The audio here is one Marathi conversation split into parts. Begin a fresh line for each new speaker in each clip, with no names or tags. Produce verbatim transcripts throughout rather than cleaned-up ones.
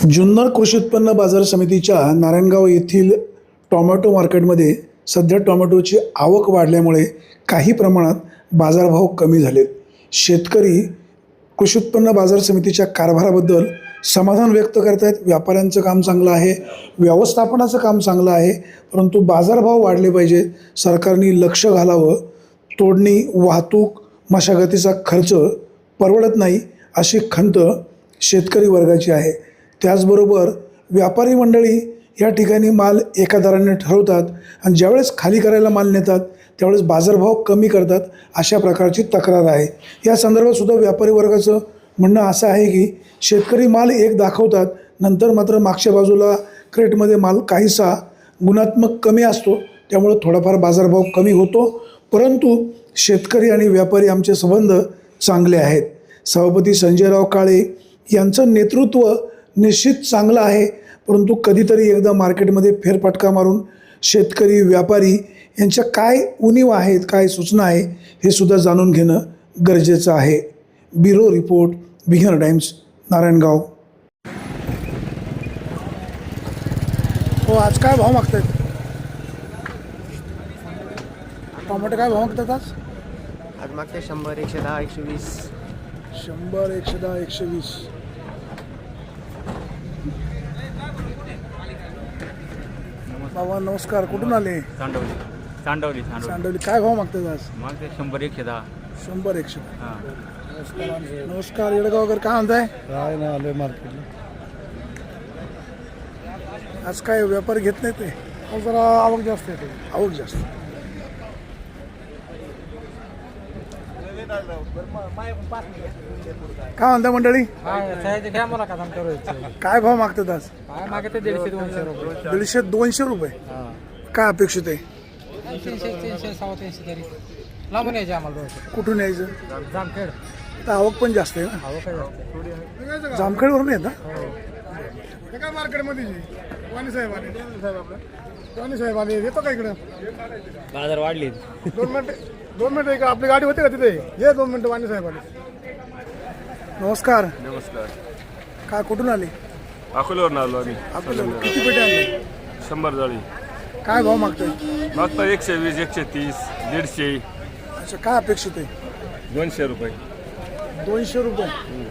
जुन्नर कृषी उत्पन्न बाजार समितीच्या नारायणगाव येथील टोमॅटो मार्केटमध्ये सध्या टोमॅटोची आवक वाढल्यामुळे काही प्रमाणात बाजारभाव कमी झालेत. शेतकरी कृषी उत्पन्न बाजार समितीच्या कारभाराबद्दल समाधान व्यक्त करत आहेत. व्यापाऱ्यांचं काम चांगलं आहे, व्यवस्थापनाचं काम चांगलं आहे, परंतु बाजारभाव वाढले पाहिजेत. सरकारने लक्ष घालावं. तोडणी, वाहतूक, मशागतीचा खर्च परवडत नाही अशी खंत शेतकरी वर्गाची आहे. त्याचबरोबर व्यापारी मंडळी या ठिकाणी माल एका दराने ठरवतात आणि ज्यावेळेस खाली करायला माल नेतात त्यावेळेस बाजारभाव कमी करतात, अशा प्रकारची तक्रार आहे. या संदर्भात सुद्धा व्यापारी वर्गाचं म्हणणं असं आहे की शेतकरी माल एक दाखवतात, नंतर मात्र मागच्या बाजूला क्रेटमध्ये माल काहीसा गुणात्मक कमी असतो, त्यामुळे थोडाफार बाजारभाव कमी होतो. परंतु शेतकरी आणि व्यापारी आमचे संबंध चांगले आहेत. सभापती संजयराव काळे यांचं नेतृत्व निश्चित चांगलं आहे, परंतु कधीतरी एकदा मार्केटमध्ये फेरफटका मारून शेतकरी व्यापारी यांच्या काय उणीव आहेत, काय सूचना आहे हे सुद्धा जाणून घेणं गरजेचं आहे. Bureau report, Bihar Times, Narayangaon. हो, आज काय भाव मागतात टोमॅटो? काय भाव मागतात आज?
आज मागते शंभर, एकशे दहा, एकशे वीस.
शंभर, एकशे दहा, एकशे वीस. बाबा नमस्कार, कुठून आले?
सांडवली सांडवली सांडवली
सांडवली. काय भाव मागतात आज?
मग ते शंभर एकशे दहा.
शंभर, एकशे.
हां
नमस्कार येडगावकर, काय म्हणताय?
काय नाही आलोय मार्केटला.
आज काय व्यापार घेत नाही ते?
जरा आवक जास्त येते.
आवक जास्त. काय म्हणता मंडळी? काय भाव मागतात आज?
काय मागते दीडशे दोनशे रुपये.
दीडशे दोनशे रुपये. काय अपेक्षित आहे?
तीनशे तीनशे सव्वा तीनशे तरी लांबून यायचे आम्हाला.
कुठून यायचं?
जामखेड.
आता आवक पण जास्त आहे ना.
आवक जास्त.
जामखेडवरून येत ना?
काय मार्केटमध्ये वाणी साहेब आले. वाणी साहेब आले, येतो का इकडं?
बाजार वाढले.
दोन मिनिट दोन मिनिटं इकडे आपली गाडी होती का तिथे? ये दोन मिनिटं. वाणी साहेब आले.
नमस्कार.
नमस्कार.
काय कुठून आले?
अकोल्यावरून आलो आम्ही.
आपल्याला किती पेटे आणले?
शंभर जाळी
काय भाव मागताय?
मागता एकशे वीस, एकशे तीस, दीडशे,
अच्छा, काय अपेक्षित आहे?
दोनशे रुपये.
दोनशे रुपये.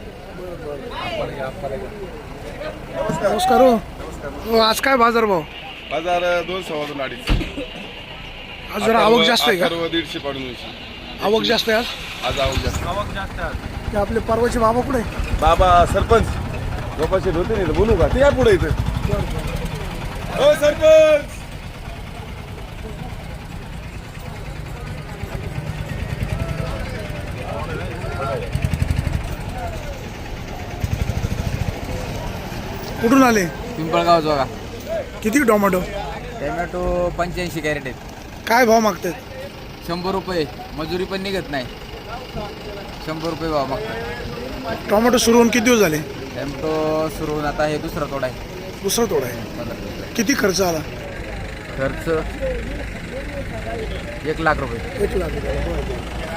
नमस्कार. हो हो, आज काय बाजार भाव?
बाजार दोन सव्वा दोन अडीच.
आज जरा आवक जास्त आहे का?
सर्व दीडशे पाडून दोनशे.
आवक जास्त आहे आज.
आज आवक जास्त.
आवक जास्त आहे.
ते आपले परवाचे बाबा कुठे?
बाबा सरपंच गोपाशी होते नाही, बोलू का? ते या पुढे इथं. हो सरपंच.
कुठून आले?
पिंपळगाव जोगा.
किती टोमॅटो?
टोमॅटो पंच्याऐंशी कॅरेट आहेत.
काय भाव मागतात?
शंभर रुपये. मजुरी पण निघत नाही. शंभर रुपये भाव मागतात.
टोमॅटो सुरू होऊन किती दिवस झाले?
टोमॅटो सुरू होऊन आता हे दुसरा तोडा आहे.
दुसरा तोडा आहे. किती खर्च आला?
खर्च एक लाख रुपये.
एक लाख रुपये.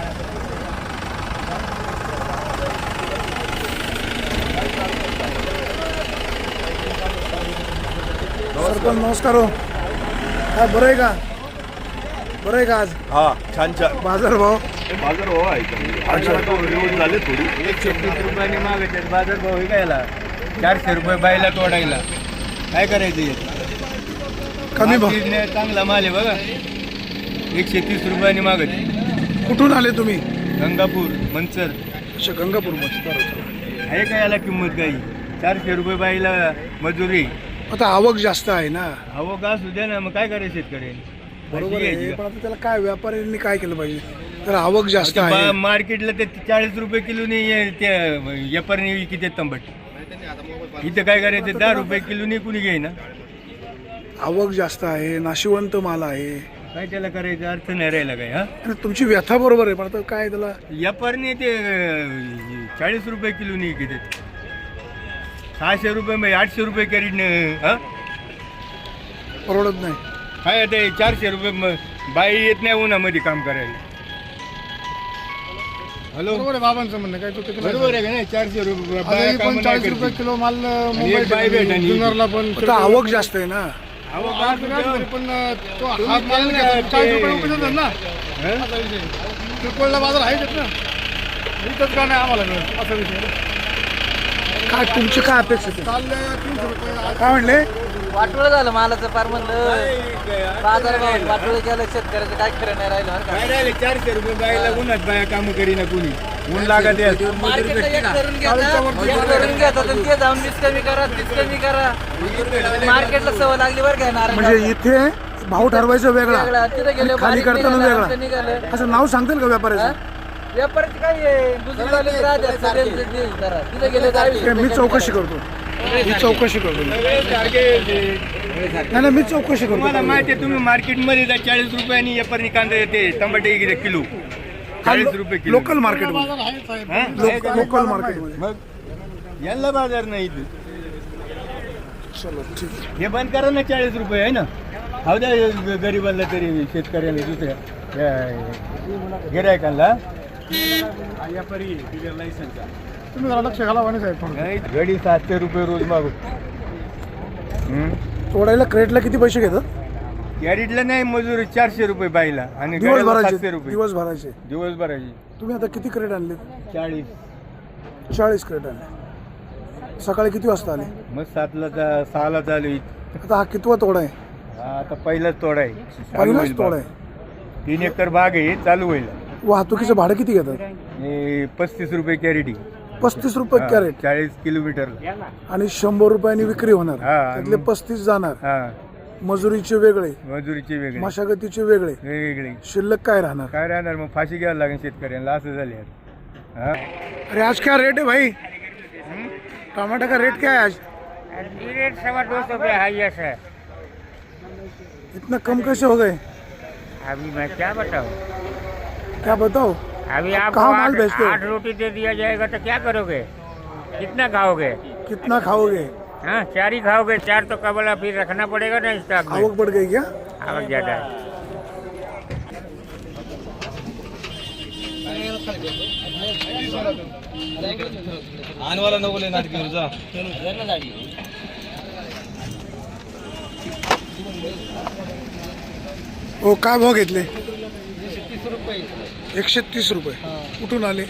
सरपंच नमस्कार. हो काय बरं आहे का? बरं आहे का आज?
हा, छान छान
बाजार भाव?
बाजार भाव आहे. झाले थोडी.
एकशे तीस रुपयाने मागत आहेत. बाजार भाव विकायला चारशे रुपये बायला तोडायला. काय करायचं?
कमी भाव.
चांगला माल आहे बघा. एकशे तीस रुपयाने मागत आहे.
कुठून आले तुम्ही?
गंगापूर, मनसर.
अच्छा, गंगापूरमध्ये.
आहे का याला किंमत काही? चारशे रुपये बाईला मजुरी.
आता आवक जास्त आहे ना.
हवं का असू द्या ना, मग काय करायचं शेतकरी?
बरोबर आहे, पण आता त्याला काय व्यापाऱ्यांनी काय केलं पाहिजे? तर आवक जास्त आहे.
मार्केटला ते चाळीस रुपये किलोनी ते व्यापारी विकते तंबट. इथं काय करायचं? दहा रुपये किलोनी कुणी घेईना.
आवक जास्त आहे, नाशिवंत माल आहे.
काय त्याला करायचं? अर्थ नाही राहिला काय. हा,
आणि तुमची व्यथा बरोबर आहे, पण आता काय त्याला
व्यापारी ते चाळीस रुपये किलोनी विकते. सहाशे रुपये म्हणजे आठशे रुपये कॅरेट. हा,
परवडत नाही.
काय ते चारशे रुपये बाई येत नाही उन्हामध्ये काम करायला. हॅलो
बरोबर आहे बाबांचं म्हणणं काय चुकीचं नाही.
बरोबर आहे का नाही? चारशे रुपये
आता
बाया
ही
कामं
पण
नाही
चाळीस
करते.
रुपये किलो माल
आणि एक बाय भेट आणि
जुन्नरला पण
आता आवक जास्त आहे ना.
अहो,
आवक
बाप
नाही
रे.
झाली, पण तो हा
तुम्ही
माल
केलं ना
घेतो, चाळीस
ते-
रुपये उपयोग होतात ना
हं?
असा विषय किरकोळला बाजार आहेच ना इथंच का नाही आम्हाला मिळत असा विषय
काय तुमची काय अपेक्षा आहे?
काल तीनशे रुपये आज
काय म्हणले?
वाटोळं झालं मालाचं फार म्हणलं बाजार भाव वाटोळं केलं शेतकऱ्याचं काय खरं नाही राहिलं बरं
काय राहिले चारशे रुपये बायला उन्हात बाया कामं करीना कोणी ऊन लागत आहे.
का मार्केटला एक करून घेतात एक करून घेतात आणि ते जाऊन वीस कमी करा तीस कमी करा मार्केटला सवय लागली बरं काय नारायण
म्हणजे इथे भाव ठरवायचा वेगळा
वेगळा तिथे गेले
आणि खाली
बारीक
करताना
निघालं,
वेगळा
आमचं निघालं
असं नाव सांगतील का व्यापाऱ्याचं?
व्यापाराची काय आहे दुसरीवाले राहतात सगळ्यांचे ते करा तिथे गेले दहावीस
हे मी
रुपये
चौकशी करतो मी चौकशी करतो
सगळे सारखे ते.
नाही नाही मी चौकशी
तुम्हाला
करतो.
माहिती आहे तुम्ही मार्केटमध्ये जा चाळीस रुपयांनी एपरनी कांदा येते टमाटे किती किलो चाळीस रुपये किलो
लोकल मार्केटमध्ये
बाजार आहे साहेब
हा?
लोक- लोकल मार्केटमध्ये
मग यांना बाजार नाही इथे.
चलो ठीक आहे.
हे बंद करा ना चाळीस रुपये आहे ना हा द्या गरीबाला तरी शेतकऱ्याला दुसऱ्या गिरायकांना
तुम्ही जरा लक्ष घाला वाणी साहेब थोडं.
गडी सातशे रुपये रोज मागू
तोडायला क्रेटला किती पैसे घेतात?
कॅरेटला नाही मजुरी चारशे रुपये बाईला आणि गाड्याला
दिवसभराचे
सातशे रुपये
दिवसभराचे
दिवसभराची
तुम्ही आता किती क्रेट आणले?
चाळीस
चाळीस क्रेट आणले. सकाळी किती वाजता आले?
मग सातला जा- सहाला चालू आहे.
आता हा कितवा तोडा आहे?
हा, आता पहिलाच तोडा आहे चालू
पहिलाच
होईल
तोडा
बाग.
आहे.
तीन एकर बाग आहे चालू होईल
वाहतुकीचं भाडं किती घेतात?
हे पस्तीस रुपये कॅरेटी
पस्तीस रुपये कॅरेट
चाळीस किलोमीटर
आणि शंभर रुपयांनी विक्री होणार.
हा.
त्यातले पस्तीस जाणार.
हा
मजुरीचे वेगळे,
मजुरीचे वेगळे
मशागतीचे वेगळे,
वेगवेगळे
शिल्लक काय राहणार?
काय राहणार मग फाशी घ्यायला लागेल शेतकऱ्यांना असं झाले हा
अरे आज क्या रेट है भाई? टमाटर का रेट क्या है आज?
रेट सवा दो सौ रुपये हाईएस्ट है।
इतना कम कैसे हो गए?
अभी मैं क्या बताऊँ,
क्या बताओ?
अभी
आप
आपको
कहाँ माल
आठ,
बेचते हो?
आठ रोटी दे दिया जाएगा तो क्या करोगे, कितना खाओगे?
कितना खाओगे?
हाँ चार ही खाओगे, चार तो कबला फिर रखना पड़ेगा ना स्टॉक में।
आवक बढ़ गई क्या?
आवक ज्यादा है।
हो काय भाव घेतले? एकशे तीस रुपये. कुठून आले?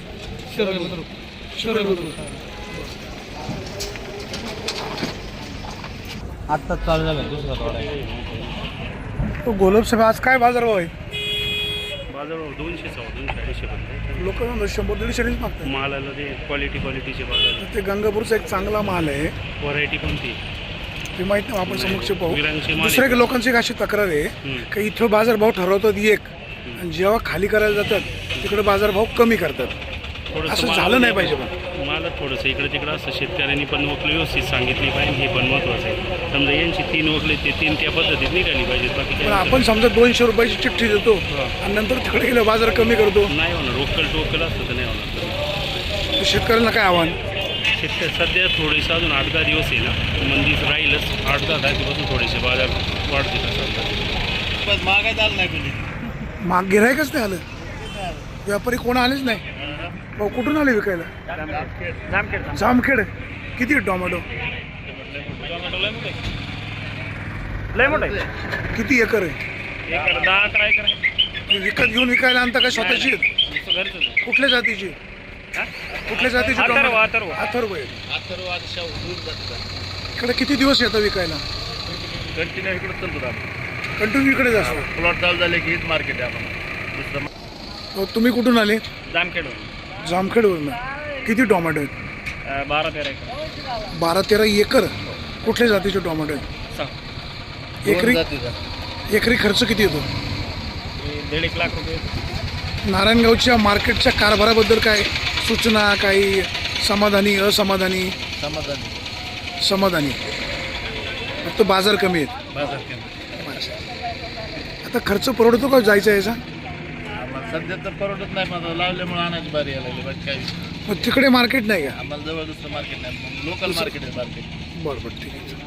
आत्ताच चालू झालं दुसरा तोडा
तो गोलब साहेब आज काय बाजार भाव आहे?
बाजारभाव दोनशे सव्वा दोनशे अडीचशे पर्यंत
लोक शंभर दीडशेच मागतात.
मालाला ते क्वालिटी क्वालिटीचे बाजार
ते गंगापूरचा एक चांगला माल आहे,
व्हरायटी कोणती
ते माहित नाही, आपण समक्ष पाहू.
विरांगचे माल
दुसऱ्या लोकांची एक अशी तक्रार आहे की इथं बाजारभाव ठरवतात एक आणि जेव्हा खाली करायला जातात तिकडे बाजारभाव कमी करतात.
थोडंसं
असं
माल-
झालं नाही पाहिजे पण.
मला थोडंसं इकडे तिकडं असं शेतकऱ्यांनी पण वकलं व्यवस्थित सांगितली पाहिजे, हे पण महत्त्वाचं आहे. समजा यांची तीन वकले ते तीन त्या पद्धतीत निघाली पाहिजेत, बाकी
पण
काय
आपण समजा दोनशे रुपयाची चिठ्ठी देतो आणि नंतर तिकडे गेलं बाजार कमी करतो,
नाही होणार. रोकल टोकल असतं तर नाही होणार.
तर शेतकऱ्यांना काय आव्हान?
शेतकरी सध्या थोडेसे अजून आठ दहा दिवस आहे ना, मंदीच राहीलच. आठ दहा तारखेपासून थोडेसे बाजार वाढतील असं मागायचं आलं नाही कोणी.
माग गिरायकच नाही आलं, व्यापारी कोण आलेच नाही. भाऊ कुठून आले विकायला? जामखेड. किती आहे टोमॅटो?
लय मोठं आहे,
किती एकर आहे?
एक दहा अकरा एकर आहे.
विकत घेऊन विकायला आणता का स्वतःची आहेत?
घरचं आहे.
कुठल्या जातीची? कुठल्या जातीची
अथर्व,
टोमॅटो?
अथर्व.
अथर्व आहे. इकडे किती दिवस येतं विकायला?
कंटिन्यू इकडे चालतो
कंटिन्यू इकडेच असतो.
प्लॉट चालू झाले की हेच मार्केट आहे आपण दुसरं
हो, तुम्ही कुठून आले?
जामखेड
जामखेडवरून. किती टोमॅटो आहेत?
बारा तेरा एकर
बारा तेरा एकर. कुठल्या जातीचे टोमॅटो आहेत?
सहा
एकरी एकरी खर्च किती येतो?
दीड एक लाख रुपये.
नारायणगावच्या मार्केटच्या कारभाराबद्दल काय सूचना, काही समाधानी, असमाधानी?
समाधानी
समाधानी. फक्त बाजार कमी आहेत.
बाजार केला
आता खर्च परवडतो का जायचा याचा?
आम्हाला सध्या तर परवडत नाही, पण लावल्यामुळे आणायची बारी यायला लागली. बाकी काही
मग तिकडे मार्केट नाही का?
आम्हाला जवळ दुसरं मार्केट नाही, लोकल मार्केट आहे मार्केट.
बरं बरं ठीक आहे.